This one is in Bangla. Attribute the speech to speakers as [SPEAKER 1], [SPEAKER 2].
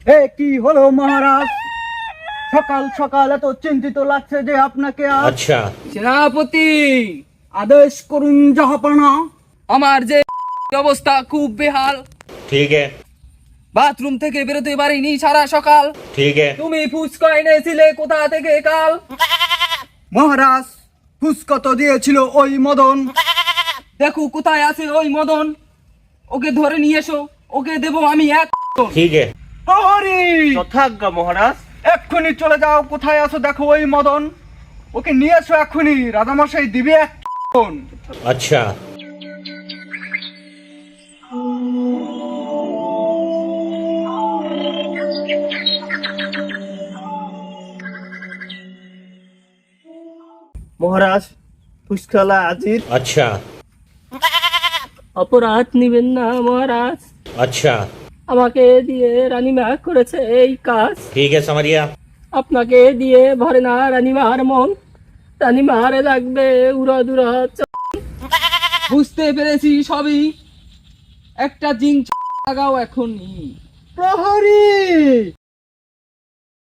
[SPEAKER 1] এ কি হলো মহারাজ, সকাল সকাল এত চিন্তিত লাগছে যে আপনাকে?
[SPEAKER 2] अच्छा
[SPEAKER 3] সেনাপতি,
[SPEAKER 1] আদেশ করুন জাহাপনা।
[SPEAKER 3] আমার যে অবস্থা খুব বেহাল।
[SPEAKER 2] ठीक है
[SPEAKER 3] বাথরুম থেকে বেরোতে পারিনি সারা সকাল।
[SPEAKER 2] ठीक है
[SPEAKER 3] তুমি ফুচকা এনেছিলে কোথা থেকে কাল?
[SPEAKER 1] মহারাজ, ফুসকা তো দিয়েছিল ওই মদন।
[SPEAKER 3] দেখো কোথায় আছে ওই মদন, ওকে ধরে নিয়ে এসো, ওকে দেবো আমি এক।
[SPEAKER 2] ठीक है
[SPEAKER 1] প্রহরী,
[SPEAKER 4] যথাজ্ঞা মহারাজ।
[SPEAKER 1] এক্ষুনি চলে যাও, কোথায় আছো দেখো ওই মদন, ওকে নিয়ে এসো এক্ষুনি, রাজামশাই দিবে এক।
[SPEAKER 2] अच्छा
[SPEAKER 4] মহারাজ, ফুসকালা আজির।
[SPEAKER 2] अच्छा
[SPEAKER 3] অপরাধ নিবেন না মহারাজ,
[SPEAKER 2] अच्छा
[SPEAKER 3] আমাকে দিয়ে রানীমা করেছে এই কাজ।
[SPEAKER 2] ठीक है समरिया
[SPEAKER 3] আপনাকে দিয়ে ভরে না রানীমার মন, রানীমার লাগবে উড়া দুরা। বুঝতে পেরেছি সবই, একটা জিং লাগাও এখনই।
[SPEAKER 1] প্রহরী,